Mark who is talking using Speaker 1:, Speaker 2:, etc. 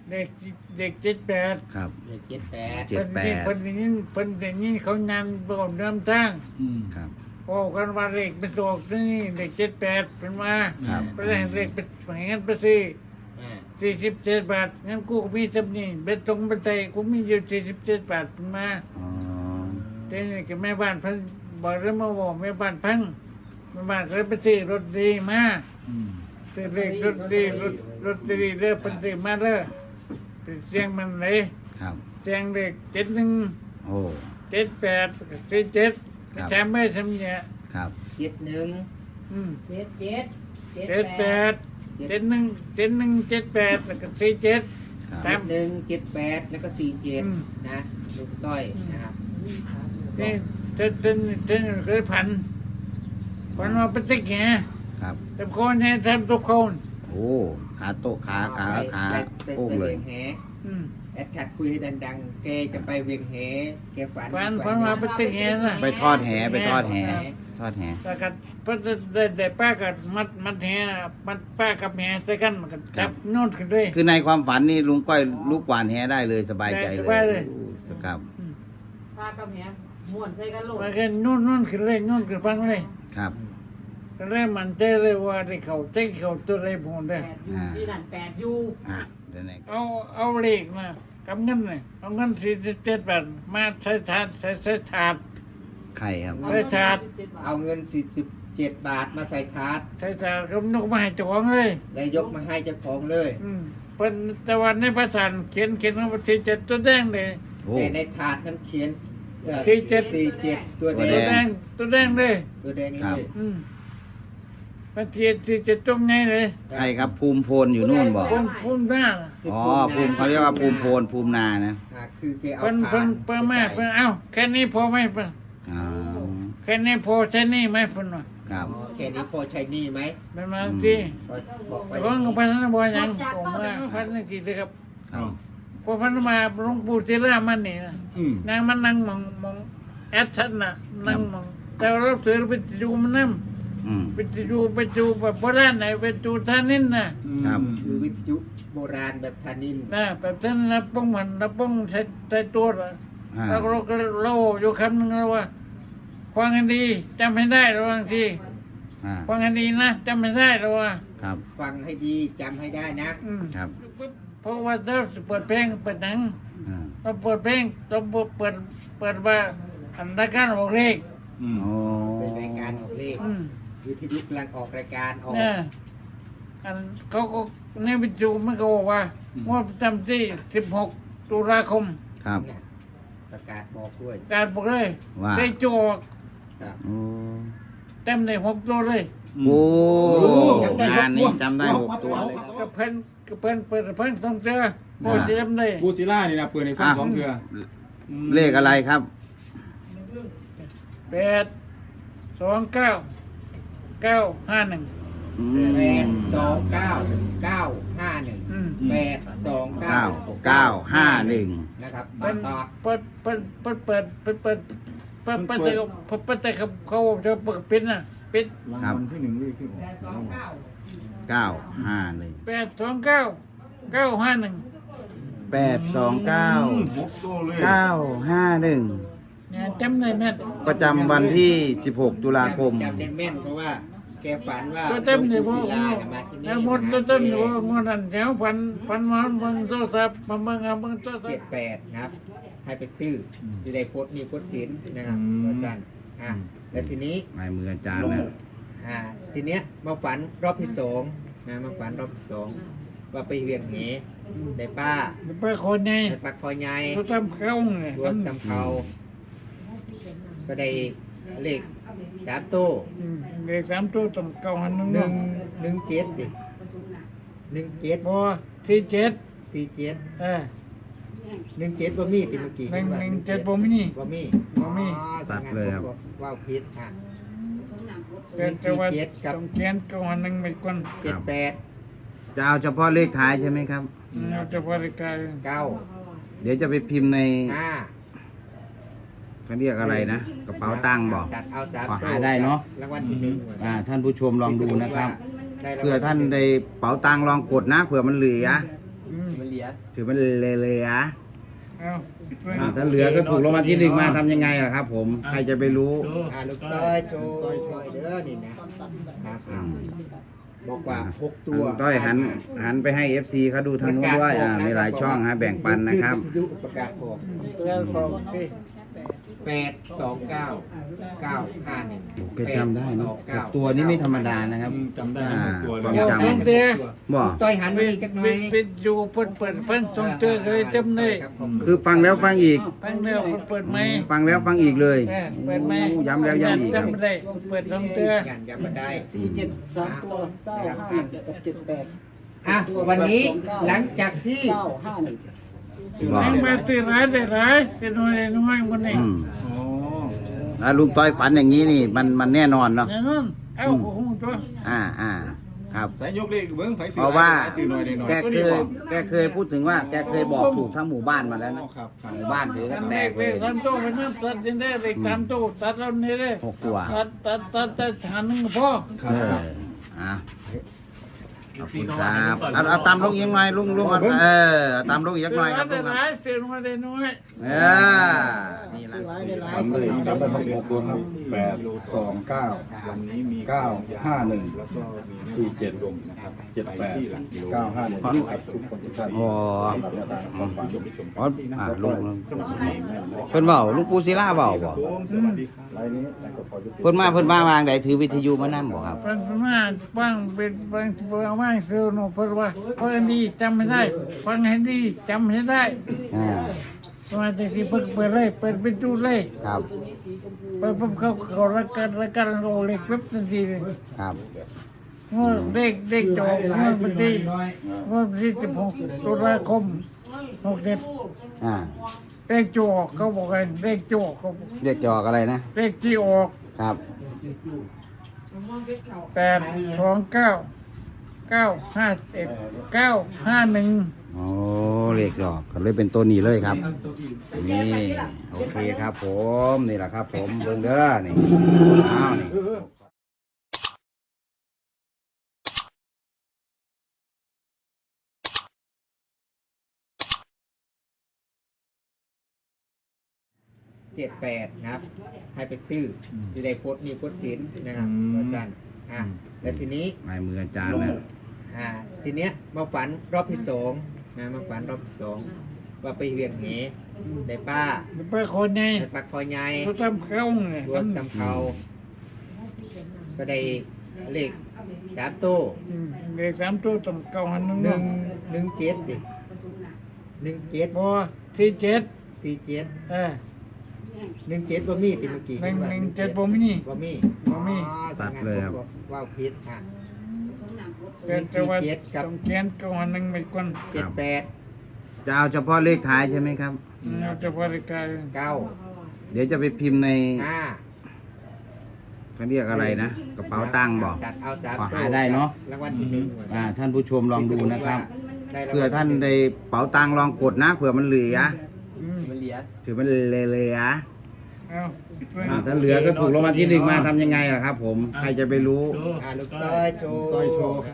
Speaker 1: เด็กเด็ก78
Speaker 2: ครับ
Speaker 3: เลข78
Speaker 2: เจ็ดแปด
Speaker 1: เพิ่นอย่างนี้เขานำบอกนำทาง
Speaker 2: ครับ
Speaker 1: บอกกันว่าเด็กเป็นตัวนี่เด็ก78เป็นมา
Speaker 2: ครับ
Speaker 1: ไปได้เด็กเป็นอย่างนั้นไปซื้อ
Speaker 3: อ่า
Speaker 1: 47 บาทงั้นกูก็มีจำนี่เบ็ดตรงเบ็ดใจกูมีอยู่47 บาทเป็นมา
Speaker 2: อ๋อ
Speaker 1: แต่นี่ก็แม่บ้านเพิ่นบอกแล้วมาบอกแม่บ้านพังแม่บ้านก็เลยไปซื้อรถดีมาซื้อเลขรถดีรถดีเด้อเพิ่นซื้อมาเด้อไปเสียงมันเลย
Speaker 2: ครับ
Speaker 1: เสียงเลข71
Speaker 2: โอ้
Speaker 1: 78ก็47ไปจำไม่ทำเนี่ย
Speaker 2: ครับ
Speaker 3: 71
Speaker 1: อืม
Speaker 4: เจ็ดเจ็ด
Speaker 1: 78 71 78แล้วก็47
Speaker 2: ครับ
Speaker 1: ตาม
Speaker 3: 71 78แล้วก็
Speaker 1: อืม
Speaker 3: 47นะลูกต้อยนะครับ
Speaker 1: นี่เต้นเคยพันมาเป็นติ๊กไง
Speaker 2: ครับ
Speaker 1: แต่คนเนี่ยทำทุกคน
Speaker 2: โอ้ขาโต๊ะขา
Speaker 3: ไป
Speaker 2: โป้งเลย
Speaker 3: เวียงแห
Speaker 1: อืม
Speaker 3: แอดชัดคุยให้ดังๆแกจะไปเวียงแหแกฝัน
Speaker 1: พันมาเป็นติ๊กไงนะ
Speaker 2: ไปทอดแหไปทอดแหทอดแห
Speaker 1: แต่กันเพิ่นได้ป้ากับมัดแหมัดป้ากับแหใส่กันมันก็จับโน่นขึ้นด้วย
Speaker 2: คือในความฝันนี่ลุงก้อยลูกหวานแหได้เลยสบายใจเล
Speaker 1: สบายเลย
Speaker 2: โอ้ครับ
Speaker 4: พากับแหมม่วนใส่กันโลด
Speaker 1: มันก็โน่นขึ้นเลยโน่นขึ้นฟังเลย
Speaker 2: ครับ
Speaker 1: ก็เลยมันใจเลยว่าได้เขาเจ๊เขาตัวอะไรพวกนี้
Speaker 4: แปดยูที่นั่น8ยู
Speaker 2: อ่ะเดี๋ยวไหน
Speaker 1: เอาเลขมากับเงินเลยเอาเงิน47 บาทมาใช้ถาดใช้ถาด
Speaker 2: ไข่ครับ
Speaker 1: ใช้ถาด
Speaker 3: เอาเงิน47 บาทมาใส่ถาด
Speaker 1: ใช้ถาดก็นกมาให้เจ้าของเลย
Speaker 3: แล้วยกมาให้เจ้าของเลย
Speaker 1: เป็นตะวันในภาษาเขียนว่า47ตัวแดงเลย
Speaker 2: โอ้
Speaker 3: แต่ในถาดนั้นเขียน47ตัวแด
Speaker 1: ตัว
Speaker 3: ง
Speaker 1: แดงตัวแดงเลย
Speaker 3: ตัวแดง
Speaker 2: ครั
Speaker 3: เล
Speaker 2: บ
Speaker 3: ย
Speaker 1: มันเขียน47ตรงไหนเลย
Speaker 2: ไข่ครับภูมิโพนอยู่นู่นบอก
Speaker 1: พุ่มหน้า
Speaker 2: อ๋อภูมิเขาเรียกว่าภูมิโพนภูมินานะ
Speaker 3: คือแกเอา
Speaker 1: เพิ่น
Speaker 3: ถาด
Speaker 1: เพิ่นมาเพิ่นเอ้าแค่นี้พอไหมเพิ่น
Speaker 2: อ๋อ
Speaker 1: แค่นี้พอใช่นี่ไหมเพิ่นว่า
Speaker 2: ครับ
Speaker 3: แค่นี้พอใช้หนี้ไหม
Speaker 1: เป็นมาสิ
Speaker 3: บอกไป
Speaker 1: แต่ว่าพันธบัวยังผมว่าพันธุ์กี่เลยครับ
Speaker 2: ครับ
Speaker 1: พอพันธุ์มาหลวงปู่ศิลามันนี่นะนางมันนั่งมองแอดชันน่ะนั่งมองแต่เราถือไปดูมันนั่ง
Speaker 2: อืม
Speaker 1: ไปดูแบบโบราณไหนไปดูท่านินน่ะ
Speaker 2: ครับ
Speaker 3: คือวิทยุโบราณแบบธานิน
Speaker 1: นะแบบท่านนับป้องมันนับป้องใช้ตัวละ
Speaker 2: อ่า
Speaker 1: แล้วเราก็เล่าอยู่คำนึงแล้วว่าฟังกันดีจำให้ได้ระวังที
Speaker 2: อ่า
Speaker 1: ฟังกันดีนะจำให้ได้ระวัง
Speaker 2: ครับ
Speaker 3: ฟังให้ดีจำให้ได้นะ
Speaker 2: ครับ
Speaker 1: เพราะว่าเราเปิดเพลงเปิดหนัง
Speaker 2: อ่า
Speaker 1: เราเปิดเพลงเราเปิดว่าอันรายการออกเลข
Speaker 2: โอ้
Speaker 3: เป็นรายการออกเลขวิทยุกำลังออกรายการออก
Speaker 1: เนี่ยอันเขาก็ในวิจูมันก็บอกว่าว่าประจำที่16 ตุลาคม
Speaker 2: ครับ
Speaker 3: เนี่ยประกาศบอกด้วย
Speaker 1: การบอกเลย
Speaker 2: ว่า
Speaker 1: ได้โจก
Speaker 3: ครับ
Speaker 2: โอ้
Speaker 1: เต็มเลย6 ตัวเลย
Speaker 2: โอ้งานนี้จำได้6 ตัวเลยครับ
Speaker 1: ก็เพิ่นเปิดเพิ่นต้องเจอโบเจมเลย
Speaker 5: กูซิล่านี่นะเปิดในฟังสองเทือ
Speaker 2: เลขอะไรครับ
Speaker 1: 829 951
Speaker 2: อืม
Speaker 3: 829 951 829 นะครับบา
Speaker 1: เปิ
Speaker 3: ง
Speaker 1: ด
Speaker 3: ตอด
Speaker 1: เปิดแต่เขาจะเปิดปิดนะปิด
Speaker 5: รางวัลที่หนึ่งเลขที่ออก
Speaker 2: 951
Speaker 1: 829 951
Speaker 2: 829
Speaker 5: 6ตัวเลย
Speaker 2: 951
Speaker 1: เนี่ยจำได้แม่น
Speaker 2: ประจำวันที่ 16 ตุลาคม
Speaker 3: จำได้แม่นเพราะว่าแกฝันว่า
Speaker 1: ตัวเต็มเลย
Speaker 3: หลว
Speaker 1: ว่าง
Speaker 3: ปู่ศิลาเนี่ยมาที่นี่
Speaker 1: แล้วหมดตัวเต็มเลยว่างวดนั้นแถวพันมาเบิ่งโทรศัพท์มาเบิ่งโทรศัพท์
Speaker 3: 78นะครับ ให้ไปซื้อที่ได้โพสต์มีโพสต์สินนะครับว่าสั้นแล้วทีนี้
Speaker 2: ลายมืออาจารย์นะ
Speaker 3: ทีเนี้ยมาฝันรอบที่สองนะมาฝันรอบที่สองว่าไปเวียงเหได้ป้า
Speaker 1: ไปคนไง
Speaker 3: ได้ปลาคอใหญ่
Speaker 1: ตัวทำเข้าไง
Speaker 3: ตัวจำเขาก็ได้เลข3ตู้
Speaker 1: เด็ก3 ตัวต้องเก่าหันนึง
Speaker 3: 117ดิ17
Speaker 1: บ่47
Speaker 3: 47 17บ่มีติเมื่อกี้
Speaker 1: 117บ่มี
Speaker 3: บ่มี
Speaker 1: บ่มี
Speaker 2: ตัดเลยครับ
Speaker 3: ว้าวผิด
Speaker 1: แต่ว่าต้องเขียนเก่าหันนึงไปก่อน
Speaker 3: 78
Speaker 2: จะเอาเฉพาะเลขท้ายใช่ไหมครับ
Speaker 1: เราจะบริการ
Speaker 3: 9
Speaker 2: เดี๋ยวจะไปพิมพ์ใน
Speaker 3: 5
Speaker 2: เขาเรียกอะไรนะ กระเป๋าตังค์บอก
Speaker 3: ตัดเอา3
Speaker 2: ขอหาได้เนอะ
Speaker 3: รางวัลที่หนึ่ง
Speaker 2: ท่านผู้ชมลองดูนะครับ
Speaker 3: ได้รางวัล
Speaker 2: เผื่อท่านได้เป๋าตังค์ลองกดนะเผื่อมันเหลือ
Speaker 3: มัน
Speaker 2: ถือมันเหลือ
Speaker 1: เอา
Speaker 2: ถ้าเหลือก็ถูกรางวัลที่หนึ่งมาทำยังไงล่ะครับผมใครจะไปรู้
Speaker 3: ลูกต้อยโชว์ช่วยเด้อนี่นะครับบอกว่า6ตัว
Speaker 2: ต้อยหันไปให้ FC เขาดูทางนู้นด้วยมีหลายช่องฮะแบ่งปันนะครับ
Speaker 3: วิทยุประกาศออก
Speaker 1: แล้วบอกที่
Speaker 3: 829
Speaker 2: แกจำได้นะตัวนี้ไม่ธรรมดานะครับ
Speaker 5: จำได้หกตัวเลย
Speaker 2: ความจำ บ่
Speaker 3: ต้อยหันไปอีกจักหน่อย
Speaker 1: ปิดอยู่เปิดเพิ่นทรงเจอเลยจำเลย
Speaker 2: คือฟังแล้วฟังอีก
Speaker 1: ฟังแล้วเปิดไหม
Speaker 2: ฟังแล้วฟังอีกเลย
Speaker 1: เปิดไหม
Speaker 2: ย้ำแล้วย้ำอีกครับ
Speaker 1: จำได้เปิดทรงเจอ
Speaker 3: ยันย้ำมาได้
Speaker 6: 47 3 ตัว 9 5 กับ 78
Speaker 3: อ่ะวันนี้หลังจากที่
Speaker 6: 9 5 1
Speaker 2: บอก
Speaker 1: แม่งมาซื้อร้ายได้ร้ายซื้อน้อยได้น้อยมันเอง
Speaker 2: อืม
Speaker 5: โอ้
Speaker 2: แล้วลุงต้อยฝันอย่างนี้นี่มันแน่นอนเนาะ
Speaker 1: อย่างนั้นเอ้าโอ้โหตัว
Speaker 2: ครับ
Speaker 5: สายยกเลขเบิ้งไฟสี
Speaker 2: เพราะว่า
Speaker 5: สีหน่อยหน่อย
Speaker 2: แกเคยพูดถึงว่าแกเคยบอกถูกทั้งหมู่บ้านมาแล้ว
Speaker 5: อ๋อ
Speaker 2: นะครับ
Speaker 5: ครับ
Speaker 2: หมู่บ้านถือกันแต
Speaker 1: เด็
Speaker 2: ก
Speaker 1: ก
Speaker 2: เล
Speaker 1: เด็
Speaker 2: ย
Speaker 1: กทำโตไปนั่นตัดยังได้เด็กทำโตตัดเราเนี่ยเลย
Speaker 2: 6 ตัว
Speaker 1: ตัดหันหนึ่งพ่อ
Speaker 5: ครับครับ
Speaker 2: อ่ะขอบคุณครับเอาตามลงอีกหน่อยลุงเอาเอาตามลงอีกหน่อยครับลุ
Speaker 1: ได้
Speaker 2: งครับ
Speaker 1: ร้ายซื้อน้อยได้น้อย
Speaker 2: นี่แหละ
Speaker 5: จำเลยจำได้ทั้งหกตัวครับ829วันนี้มี951แล้วก็มี47ลงนะครับ78 951ทุกคนทุกท่าน
Speaker 2: อ๋อ
Speaker 5: ความฝันชมชม
Speaker 2: อ๋อลุงเพิ่นเว้าลุงปู่ศิลาเว้าบ่
Speaker 5: ผมสวัสดีครับรายนี้แต่ก็ขอยุติ
Speaker 2: เพิ่นมาวางใดถือวิทยุมานํบ่ครับ
Speaker 1: เป็นมาบ้างเป็นบางว่างซื้อหนูเพราะว่าเพราะอันนี้จำไม่ได้ฟังให้ดีจำให้ได้
Speaker 2: อ่า
Speaker 1: มาจากที่เปิดเลยเปิดไปดูเลย
Speaker 2: ครับ
Speaker 1: เปิดปุ๊บเขาละกันโรเล็กปุ๊บทันทีเลย
Speaker 2: ครับ
Speaker 1: งวดเด็กจบงวดวันที่16 ตุลาคม67
Speaker 2: อ่า
Speaker 1: เลขจอกเขาบอกกันเลขจอกเขา
Speaker 2: เรียกจอกอะไรนะ
Speaker 1: เลขที่ออก
Speaker 2: ครับ
Speaker 1: 829 951
Speaker 2: โอ้เรียกจอกก็เลยเป็นตัวนี้เลยครับ นี่โอเคครับผมนี่แหละครับผมเบิ่งเด้อนี่อ้าวนี่
Speaker 3: 78นะครับ ให้ไปซื้อที่ได้โพสต์มีโพสต์สินนะครับว่าสั้นแล้วทีนี้
Speaker 2: ลายมืออาจารย์นะ
Speaker 3: ทีเนี้ยมาฝันรอบที่สองนะมาฝันรอบที่สองว่าไปเวียงเหได้ป้า
Speaker 1: ไปคนไง
Speaker 3: ได้ปลาคอยใหญ่
Speaker 1: เขาทำเข้าไง
Speaker 3: รถตำเขาก็ได้เลข3ตู้
Speaker 1: เด็ก3 ตัวต้องเก่าหันนึง
Speaker 3: 117ดิ17
Speaker 1: บ่47
Speaker 3: 47 17บ่มีติเมื่อกี้
Speaker 1: 117บ่มี
Speaker 3: บ่มี
Speaker 1: บ่มี
Speaker 3: ตัดเลยครับว้าวผิด
Speaker 1: แต่ว่าต้องเขียนเก่าหันนึงไปก่อน
Speaker 3: 78
Speaker 2: จะเอาเฉพาะเลขท้ายใช่ไหมครับ
Speaker 1: เราจะบริการ
Speaker 3: 9
Speaker 2: เดี๋ยวจะไปพิมพ์ใน
Speaker 3: 5
Speaker 2: เขาเรียกอะไรนะกระเป๋าตังค์บอก
Speaker 3: ตัดเอา3
Speaker 2: ขอหาได้เนอะ
Speaker 3: รางวัลที่1
Speaker 2: ท่านผู้ชมลองดูนะครับเผื่อท่านได้เป๋าตังค์ลองกดนะเผื่อมันเหลือถือมันเหลือ
Speaker 1: เอา
Speaker 2: ถ้าเหลือก็ถูกรางวัลที่หนึ่งมาทำยังไงล่ะครับผมใครจะไปรู้
Speaker 3: ลูกต้อยโชว์